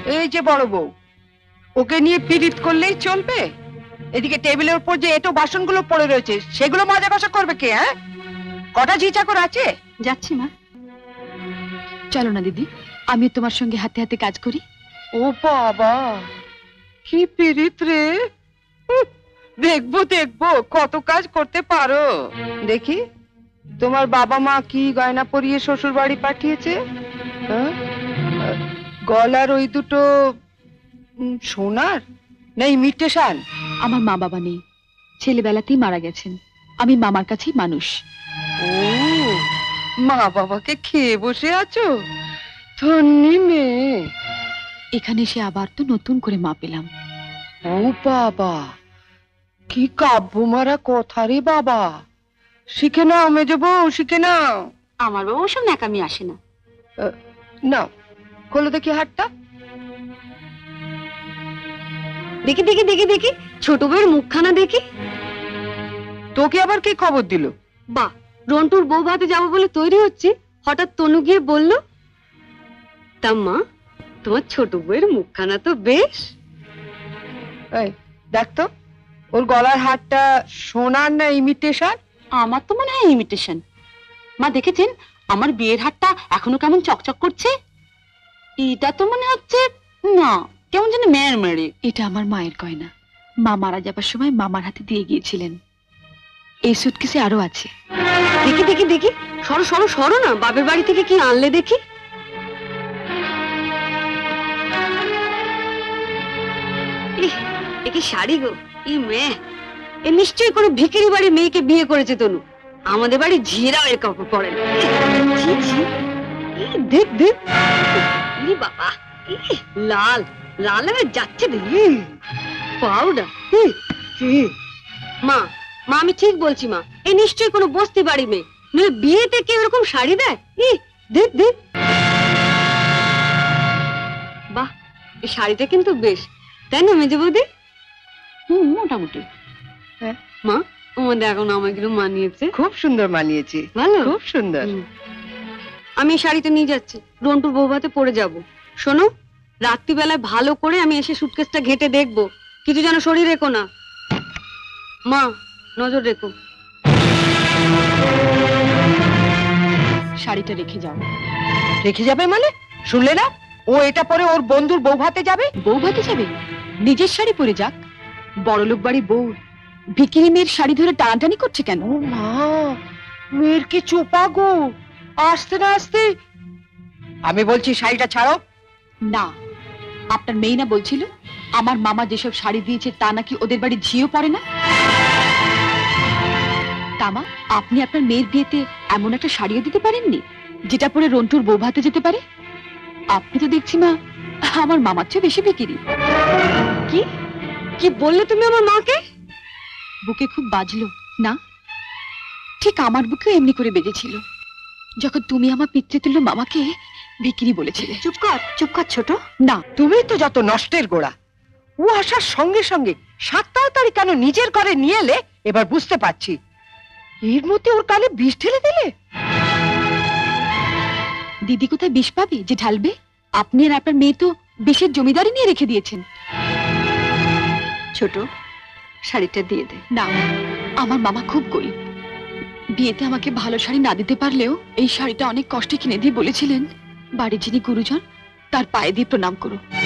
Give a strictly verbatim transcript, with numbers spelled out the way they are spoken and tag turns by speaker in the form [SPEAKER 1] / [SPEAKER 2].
[SPEAKER 1] এই যে বড় বউ, ওকে নিয়ে পীড়িত করলেই চলবে? এদিকে টেবিলের উপর যে এটো বাসনগুলো পড়ে রয়েছে সেগুলো মাজা কষা করবে কে? হ্যাঁ, কটা ঝি চাকর আছে?
[SPEAKER 2] যাচ্ছি মা। চলো না দিদি, আমি তোমার সঙ্গে হাতে হাতে কাজ করি।
[SPEAKER 1] ও বাবা, কি পীড়িত রে! উহ, দেখবো দেখবো কত কাজ করতে পারো। দেখি তোমার বাবা মা কি গয়না পরিয়ে শ্বশুর বাড়ি পাঠিয়েছে। হ্যাঁ? গলার ওই দুটো উম, সোনার না ইমিটেশন?
[SPEAKER 2] আমার মা বাবা নেই, ছেলেবেলাতেই মারা গেছেন। আমি মামার কাছেই মানুষ।
[SPEAKER 1] ও, মা বাবাকে খেয়ে বসে আছো? ধন্যি মেয়ে।
[SPEAKER 2] এখানে এসে আবার তো নতুন করে মা পেলাম।
[SPEAKER 1] ও বাবা, কি কাব্য মারা কথা রে বাবা! শিখে নাও মেজো বউ, শিখে নাও।
[SPEAKER 2] আমার বাবা ওসব ন্যাকামি আসে না।
[SPEAKER 1] নাও, খোলো দেখি হাতটা।
[SPEAKER 2] দেখি দেখি দেখি দেখি ছোট বউয়ের মুখখানা দেখি।
[SPEAKER 1] তোকে আবার কে খবর দিল?
[SPEAKER 2] বাহ, রন্টুর বউ ভাতে যাবো বলে তৈরি হচ্ছি, হঠাৎ তনু গিয়ে বলল, তা মা তোমার ছোট বউয়ের মুখখানা তো বেশ।
[SPEAKER 1] এই দেখ তো, ওর গলার হারটা সোনার না ইমিটেশন?
[SPEAKER 2] আমার তো মনে হয় ইমিটেশন। মা দেখেছেন আমার বিয়ের হারটা এখনো কেমন চকচক করছে? এটা তো মনে হচ্ছে না, কেমন যেন মেয়ের মেরে। এটা আমার মায়ের গয়না, মা মারা যাবার সময় মামার হাতে দিয়ে গিয়েছিলেন। এই সুটকেসে আরো আছে। দেখি দেখি দেখি, সরো সরো সরো না, বাপের বাড়ি থেকে কি আনলে দেখি। এ কি শাড়ি গো, ই মেয়ে, এ নিশ্চয়ই কোনো ভিখারি বাড়ির মেয়েকে বিয়ে করেছে তনু। আমাদের বাড়ি ঝিরাও এর কাপড় পরে না। ছি, ছি, ই দেখ দেখ, ই বাবা, ই লাল লাল হয়ে যাচ্ছে দেখি। পাউডার। মা মা আমি ঠিক বলছি মা, এ নিশ্চয়ই কোনো বস্তি বাড়ি মেয়ে, নইলে বিয়েতে কেউ এরকম শাড়ি দেয়? ই দেখ দেখ, বাহ, এই শাড়িটা কিন্তু বেশ, তাই না মেজে বৌদি? হুম, মোটামুটি।
[SPEAKER 1] হ্যাঁ
[SPEAKER 2] মা, আমাদের এখন আমাগুলো মানিয়েছে।
[SPEAKER 1] খুব সুন্দর মানিয়েছে,
[SPEAKER 2] ভালো,
[SPEAKER 1] খুব সুন্দর।
[SPEAKER 2] আমি এই শাড়িটা নিয়ে যাচ্ছি, রন্টুর বউ ভাতে পরে যাবো। শোনো, রাত্রিবেলায় ভালো করে আমি এসে সুটকেসটা ঘেটে দেখবো, কিছু যেন শরীর রেখো না। মা নজর রেখো। শাড়িটা রেখে যাও।
[SPEAKER 1] রেখে যাবে মানে? শুনলে না, ও এটা পরে ওর বন্ধুর বউ ভাতে যাবে।
[SPEAKER 2] বউ ভাতে যাবে? নিজের শাড়ি পরে যাক। বড়লোক বাড়ির বউ ভিকিরি মেয়ের শাড়ি ধরে টানাটানি করছে কেন?
[SPEAKER 1] ও মা, মেয়ের কি চোপা গো, আসতে না আসতে। আমি বলছি শাড়িটা ছাড়ো।
[SPEAKER 2] না, আপনার মেয়ে না বলছিল আমার মামা যেসব শাড়ি দিয়েছে তা নাকি ওদের বাড়ি ঝিও পড়ে না? তামা, আপনি আপনার মেয়ের বিয়েতে এমন একটা শাড়িও দিতে পারেননি যেটা পরে রন্টুর বউ ভাতে যেতে পারে? আপনি তো দেখছি মা আমার মামার চেয়ে বেশি বিকিরি। কি কি বললে তুমি আমার মাকে? বুকে খুব বাজলো না? ঠিক আমার বুকেও এমনি করে বেজেছিল যখন তুমি আমার পিতৃতুল্য মামাকে বিক্রি বলেছিলে। চুপ কর, চুপ কর ছোট। না,
[SPEAKER 1] তুমি তো যত নষ্টের গোড়া। ও আসার সঙ্গে সঙ্গে সাত তাড়াতাড়ি কেন নিজের ঘরে নিয়ে এলে এবার বুঝতে পারছি। এর মধ্যে ওর কানে বিষ ঢেলে দিলে।
[SPEAKER 2] দিদি কোথায় বিষ পাবে যে ঢালবে? আপনি আর আপনার মেয়ে তো বিষের জমিদারি নিয়ে রেখে দিয়েছেন। ছোট, শাড়িটা দিয়ে দে। না, আমার মামা খুব গরিব, বিয়েতে আমাকে ভালো শাড়ি না দিতে পারলেও এই শাড়িটা অনেক কষ্টে কিনে দিয়ে বলেছিলেন বাড়ির যিনি গুরুজন তার পায়ে দিয়ে প্রণাম করো।